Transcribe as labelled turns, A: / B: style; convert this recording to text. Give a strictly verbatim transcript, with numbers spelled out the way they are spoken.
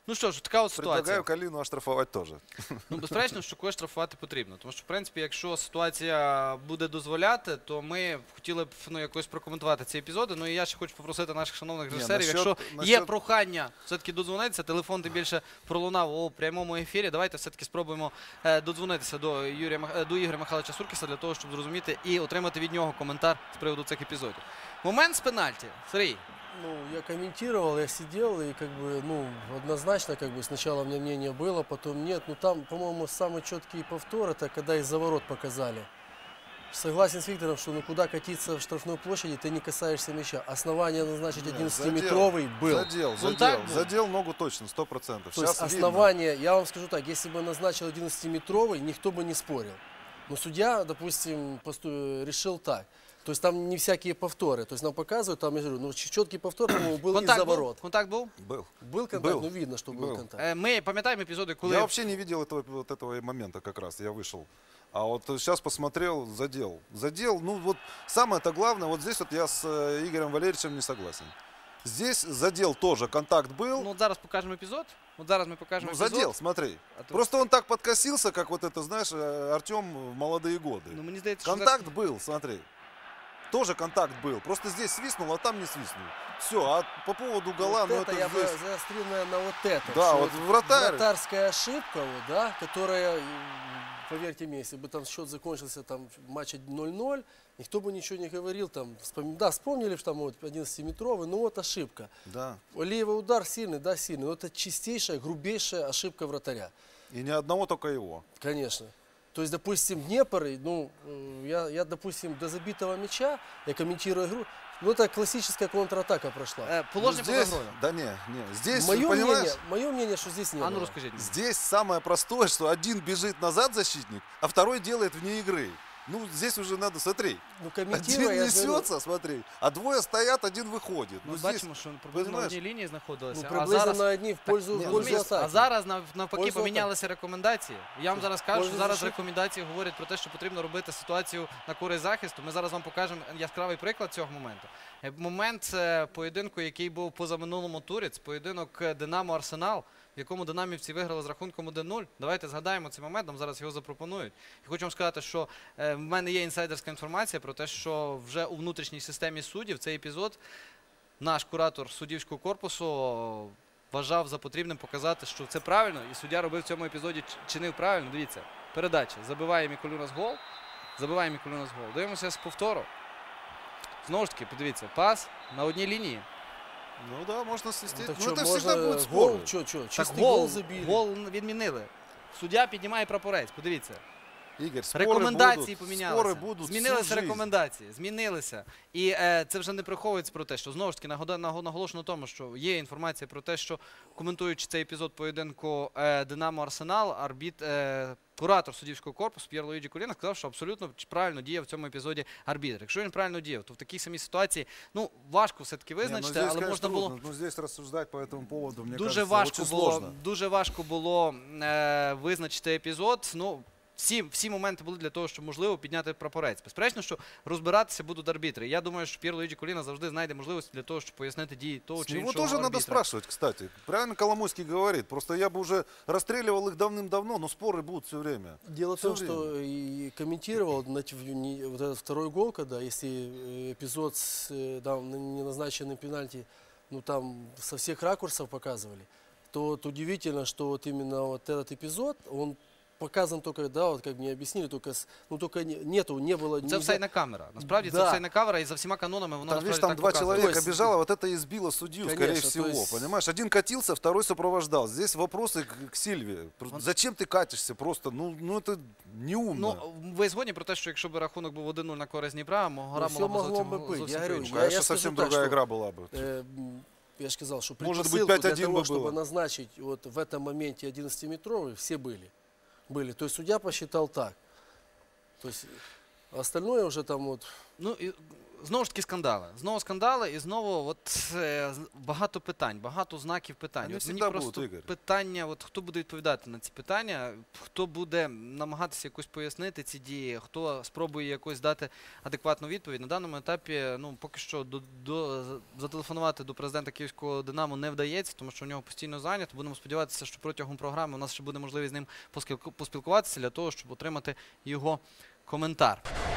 A: Ну що ж, така от ситуація.
B: Предлагаю Калину оштрафовать тоже.
A: Ну, безперечно, що когось штрафувати потрібно. Тому що, в принципі, якщо ситуація буде дозволяти, то ми хотіли б ну, якось прокоментувати ці епізоди. Ну і я ще хочу попросити наших шановних режисерів,
B: насчет,
A: якщо
B: насчет...
A: є прохання все-таки додзвонитися, телефон тим більше пролунав у прямому ефірі, давайте все-таки спробуємо е, додзвонитися до, Юрія, до Ігоря Михайловича Суркіса для того, щоб зрозуміти і отримати від нього коментар з приводу цих епізодів. Момент з пенальті. Сергій.
C: Ну, я комментировал, я сидел, и как бы, ну, однозначно, как бы, сначала у меня мнение было, потом нет. Ну, там, по-моему, самый четкий повтор, это когда из-за ворот показали. Согласен с Виктором, что ну куда катиться в штрафной площади, ты не касаешься мяча. Основание назначить одиннадцатиметровый был.
B: Задел, задел, задел ногу точно, сто процентов.
C: То есть основание, видно. Я вам скажу так, если бы назначил одиннадцатиметровый, никто бы не спорил. Но судья, допустим, решил так. То есть там не всякие повторы. То есть нам показывают, там, я говорю, ну четкий повтор, по-моему, был из-за ворот.
A: Контакт был?
B: Был.
C: Был контакт, был. Ну видно, что был, был контакт.
A: Мы пам'ятаємо епізоди, коли...
B: Я вообще не видел этого, вот этого момента как раз, я вышел. А вот сейчас посмотрел, задел. Задел, ну вот самое-то главное, вот здесь вот я с Игорем Валерьевичем не согласен. Здесь задел тоже, контакт был.
A: Ну вот зараз покажем эпизод. Вот зараз мы покажем
B: ну,
A: эпизод.
B: Задел, смотри.
A: А тут...
B: Просто он так подкосился, как вот это, знаешь, Артем в молодые годы.
A: Ну, мне здається,
B: контакт
A: что...
B: был, смотри. Тоже контакт был. Просто здесь свистнул, а там не свистнул. Все, а по поводу гола,
C: вот
B: ну
C: это,
B: это
C: я
B: здесь...
C: бы заострил, наверное, вот это.
B: Да, вот вратарь.
C: Вратарская ошибка, вот, да, которая, поверьте мне, если бы там счет закончился, там, матч ноль-ноль, никто бы ничего не говорил, там, вспом... да, вспомнили, что там вот одиннадцатиметровый, ну вот ошибка.
B: Да.
C: Левый удар сильный, да, сильный, но это чистейшая, грубейшая ошибка вратаря.
B: И ни одного, только его.
C: Конечно. То есть, допустим, Днепр, ну, я, я, допустим, до забитого мяча, я комментирую игру, ну, это классическая контратака прошла.
A: Э, положение
B: ну, здесь,
A: под игрой.
B: Да не, не, здесь,
C: мое
B: понимаешь?
C: Мнение, мое мнение, что здесь не
A: А ну,
C: было.
A: расскажите.
B: Здесь самое простое, что один бежит назад защитник, а второй делает вне игры. Ну, здесь уже надо, смотри,
C: ну,
B: один несется, смотри, а двое стоят, один выходит.
A: Ну,
B: ну
A: бачимо, що приблизно на одній лінії знаходилися.
C: Ну, приблизно
A: а зараз...
C: на одній в пользу,
A: так,
C: в пользу атаки.
A: А зараз навпаки
C: пользу
A: помінялися рекомендації. Я вам зараз кажу, що зараз
C: защит.
A: рекомендації говорять про те, що потрібно робити ситуацію на користь захисту. Ми зараз вам покажемо яскравий приклад цього моменту. Момент поєдинку, який був позаминулому турі, це поєдинок Динамо-Арсенал, в якому динамівці виграли з рахунком один нуль. Давайте згадаємо цей момент, нам зараз його запропонують. І хочу вам сказати, що в мене є інсайдерська інформація про те, що вже у внутрішній системі суддів цей епізод наш куратор суддівського корпусу вважав за потрібним показати, що це правильно, і суддя робив в цьому епізоді, чинив правильно. Дивіться, передача. Забиває Мікулюнас гол. Забиває Мікулюнас гол. Дивимося з повтору. Знову ж таки, подивіться, пас на одній лінії.
B: Ну да, можно свистеть.
C: Ну,
B: ну
C: что,
B: это
C: можно
B: всегда будет
C: гол,
B: спорно.
C: что, что,
A: Так
C: чистый
A: гол,
C: гол забили.
A: гол відмінили. Суддя піднімає прапорець, подивіться.
B: Ігор, спори
A: Рекомендації
B: будуть,
A: помінялися.
B: спори будуть
A: Змінилися
B: всю жизнь.
A: рекомендації, змінилися. І е, це вже не приховується про те, що знову ж таки наголошено на тому, що є інформація про те, що коментуючи цей епізод поєдинку е, Динамо-Арсенал, арбіт, е, куратор суддівського корпусу П'єр Луїджі Коліна сказав, що абсолютно правильно діяв в цьому епізоді арбітр. Якщо він правильно діяв, то в такій самій ситуації, ну, важко все-таки визначити,
B: не, ну, здесь,
A: але
B: конечно,
A: можна було...
B: трудно. Ну, здесь рассуждать по этому поводу, мне
A: Дуже
B: кажется,
A: важко
B: очень
A: було,
B: сложно.
A: дуже важко було е, визначити епізод. Ну, всі, всі моменти були для того, щоб можливо підняти прапорець. Безперечно, що розбиратися будуть арбітри. Я думаю, що П'єр Луїджі Коліна завжди знайде можливості для того, щоб пояснити дії того
B: С
A: чи
B: него
A: іншого
B: тоже
A: арбітра.
B: надо спрашивать, кстати. Правильно Коломойский говорит. Просто я бы уже расстреливал их давным-давно, но споры будут все время.
C: Дело в
B: Всё
C: том,
B: время.
C: что и комментировал значит, не- вот этот второй гол, когда если э, эпизод с э, да, неназначенным пенальти, ну там со всех ракурсов показывали, то вот удивительно, что вот именно вот этот эпизод, он показан только, да, вот как мне объяснили, только, с- ну только не- нету, не было...
A: Це
C: нельзя-
A: офсайдна камера. Насправді це
C: Да.
A: офсайдна камера, і за всіма канонами воно
B: Там,
A: насправді
B: видишь, там
A: так
B: два
A: показує.
B: человека
C: То есть-
B: бежало, вот это и сбило судью,
C: Конечно,
B: скорее
C: то
B: всего.
C: есть-
B: Понимаешь, один катился, второй сопровождал. Здесь вопросы к, к Сильве.
A: Он-
B: Зачем ты катишься просто? Ну, ну это неумно.
A: Ну, ви згодні про те, що якщо б рахунок був один нуль на користь Дніпра, гра
C: всё
A: могла б
C: могло
A: зовсім,
C: би бути.
A: зовсім
C: Я говорю,
A: по-іншому.
C: я-
B: Конечно,
C: скажу
B: совсем
C: так,
B: другая
C: что-
B: игра была бы.
C: Э, м, Я же сказал, что
B: Может быть,
C: предпосылку
B: пять
C: для
B: один
C: того,
B: бы
C: чтобы
B: было.
C: назначить вот в этом моменте одиннадцатиметровый, все были. Были. То есть судья посчитал так. То есть остальное уже там вот...
A: Ну, і Знову ж таки скандали. Знову скандали і знову от, е, з- багато питань, багато знаків питань.
B: Вони
A: От мені
B: всегда
A: просто
B: будуть, Ігор.
A: питання, от, хто буде відповідати на ці питання, хто буде намагатися якось пояснити ці дії, хто спробує якось дати адекватну відповідь. На даному етапі, ну, поки що до, до, зателефонувати до президента Київського Динамо не вдається, тому що у нього постійно зайнято. Будемо сподіватися, що протягом програми у нас ще буде можливість з ним поспілку- поспілкуватися для того, щоб отримати його коментар.